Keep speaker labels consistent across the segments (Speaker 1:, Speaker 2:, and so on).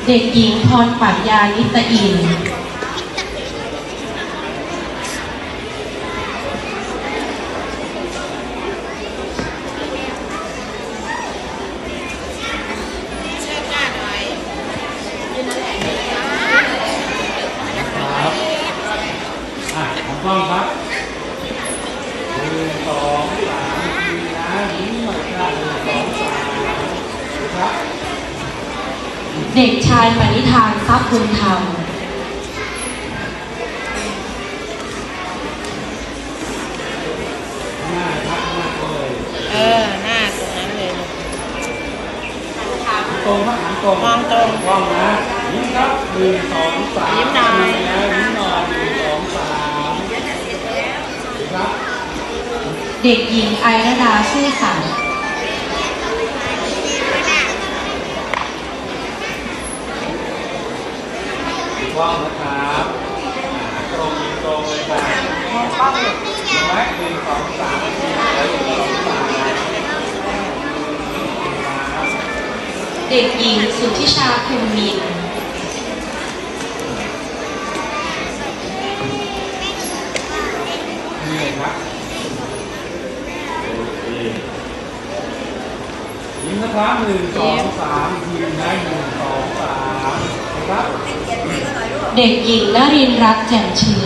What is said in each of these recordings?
Speaker 1: เด็กหญิงพรปรัชญานิตอินทร์
Speaker 2: ของกล้องครับ1 2 3ทีนะยิ้มหน่อยค่ะ1 2 3ครับ
Speaker 1: เด็กชายปณิธานทรัพย์บุญธรรม
Speaker 2: หน้าครับหน้าเลย
Speaker 3: หน้าตรงนั้นเลย
Speaker 2: ตรงครับหันตรง
Speaker 3: มองตรง
Speaker 2: กล้องนะยิ้มครับ1 2 3
Speaker 3: ยิ้มหน่อย
Speaker 2: แล้วยิ้มหน่อย1 2 3ครับ
Speaker 1: เด็กหญิงไอรดาซื่อสัตย์
Speaker 2: กล้องนะครับตรงเลยครับกล้องไว้1 2 3แล้ว1 2 3
Speaker 1: เด็กหญิงสุทธิชาภูมินทร์
Speaker 2: นี่เลยครับยิ้มนะครับ1 2 3ทีนะ1 2 3นะครับ
Speaker 1: เด็กหญิงนรินทร์รักแจ่มเชื้อ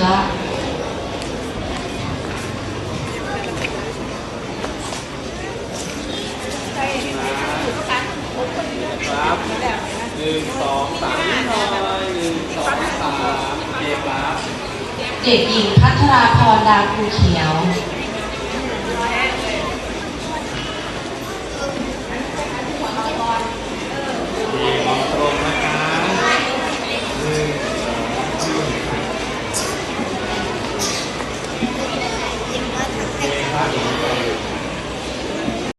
Speaker 2: ครับ1 2 3นิดหน่อย1 2 3เก็บครับ
Speaker 1: เด็กหญิงพัทราพรดาภูเขียว
Speaker 2: มองตรงนะครับ1 2 3